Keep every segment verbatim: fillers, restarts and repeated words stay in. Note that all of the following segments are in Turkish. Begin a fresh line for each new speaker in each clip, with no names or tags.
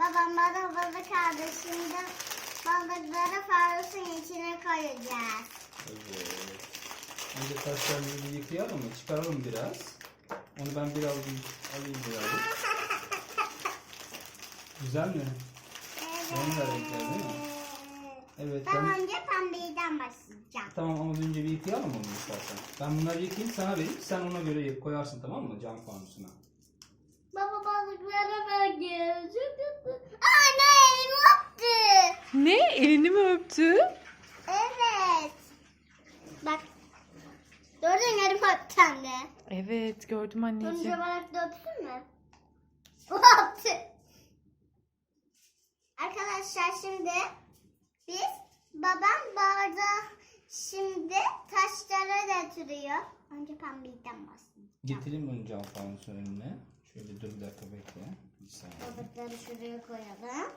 Babam bana balık aldı. Şimdi balıkları fanusun içine koyacağız.
Evet. Önce taşlarını bir yıkayalım mı? Çıkaralım biraz. Onu ben biraz alayım biraz. Güzel mi?
Evet.
Rengarenkler değil mi? Evet.
Ben
Ben...
önce pembeyden başlayacağım.
Tamam ama önce bir yıkayalım onu istersen. Ben bunları yıkayayım sana vereyim. Sen ona göre koyarsın, tamam mı? Cam fanusuna.
Baba balıklara bakıyor. Anne elimi öptü.
Ne? Elini mi öptü?
Evet. Bak. Gördün mü elimi öptü anne.
Evet, gördüm
Önce
anneciğim.
balık da öpsün mü? O öptü. Arkadaşlar şimdi biz babam bardağı şimdi taşlara götürüyor. Önce pembeyden başlayalım.
Getireyim onu cam fanusun önüne. Şöyle dur bir dakika bekle. Bir saniye.
Balıkları şuraya koyalım.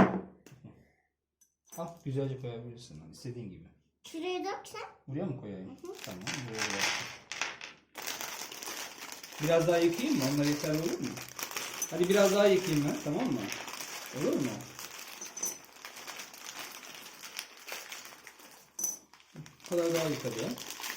Al, güzelce koyabilirsin. Hani istediğin gibi.
Şuraya döksen.
Buraya mı koyayım? Tamam. Buraya bıraktım. Biraz daha yıkayayım mı? Onlar yeter olur mu? Hadi biraz daha yıkayayım ben. Tamam mı? Olur mu? Bu kadar daha yıkadım.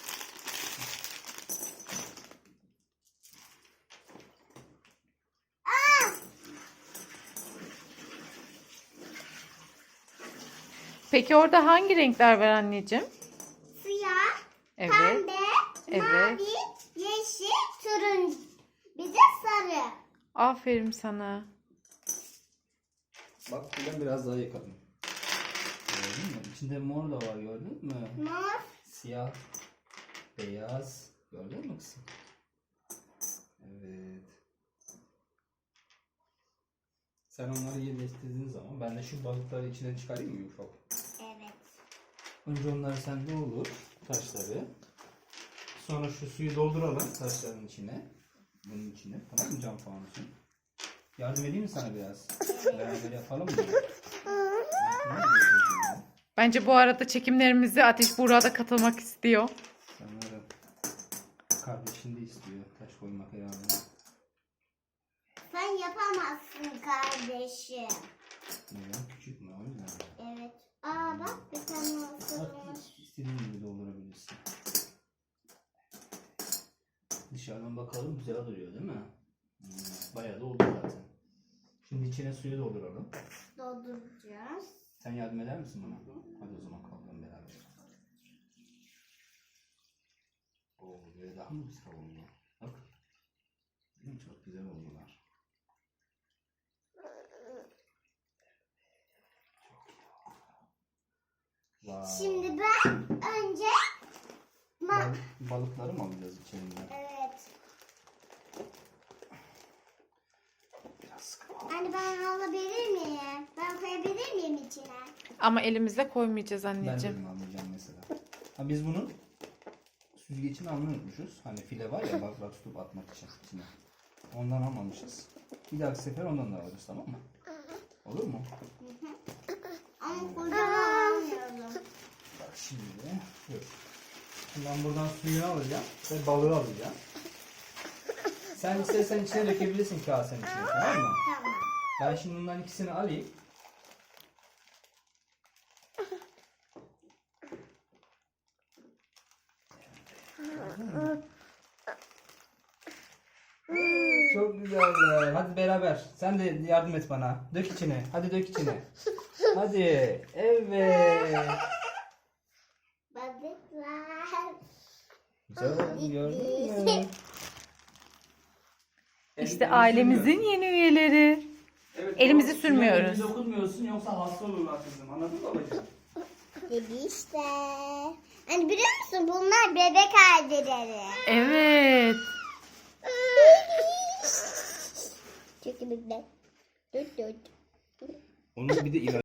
Peki orada hangi renkler var anneciğim?
Siyah,
Evet.
pembe,
Evet.
mavi, yeşil, turuncu. Bir de sarı.
Aferin sana.
Bak buradan biraz daha yıkadım. Gördün mü? İçinde mor da var, gördün mü?
Mor.
Siyah, beyaz. Gördün mü kızım? Evet. Sen onları yerleştirdiğin zaman ben de şu balıkları içinden çıkarayım mı ufak?
Evet.
Önce onları sende olur, taşları. Sonra şu suyu dolduralım taşların içine. Bunun içine. Tamam mı cam fanusun? Yardım edeyim mi sana biraz? Beraber yapalım mı?
Bence bu arada çekimlerimizi Ateş Buğra da katılmak istiyor.
Sanırım kardeşin de istiyor taş koymak herhalde.
Sen yapamazsın kardeşim.
Neden? Küçük mü? O yüzden.
Evet. Aa bak bir tane olsun.
Bak, istediğin gibi doldurabilirsin. Dışarıdan bakalım güzel duruyor değil mi? Hmm, bayağı da oldu zaten. Şimdi içine suyu dolduralım.
Dolduracağız.
Sen yardım eder misin bana? Hadi o zaman kalkalım beraber. Oo, böyle daha mı güzel oldu? Bak. Değil mi? Çok güzel oldular. Vay.
Şimdi ben önce ma
Bal- balıkları mı alacağız içerinden?
evet.
Biraz sıkı.
Anne ben alabilir miyim? Ben koyabilir miyim içine?
Ama elimizle koymayacağız
Ben de
anneciğim.
bunu almayacağım mesela. Ha, biz bunun süzgecini almayı unutmuşuz. Hani file var ya balıklar tutup atmak için içine. Ondan almamışız. Bir dahaki sefer ondan da alırız, tamam mı? Olur mu?
Ama kocaman almıyorum.
Bak şimdi. Dur. Şimdi ben buradan suyunu alacağım ve balığı alacağım. Sen istersen içine dökebilirsin kasenin içine, tamam mı?
Tamam.
Ben şimdi bunların ikisini alayım. Çok güzel. Hadi beraber. Sen de yardım et bana. Dök içine. Hadi dök içine. Hadi. Evet.
Balıklar.
Güzel oldu, gördün mü?
İşte ailemizin yeni üyeleri.
Evet,
Elimizi
o
sürmüyoruz.
Elimizi dokunmuyorsun yoksa hasta olurlar kızım. Anladın mı babacığım?
Dedi işte. Hani biliyor musun bunlar bebek haldeleri.
Evet.
Çok bebek. Dört dört.
Onun bir de ilaç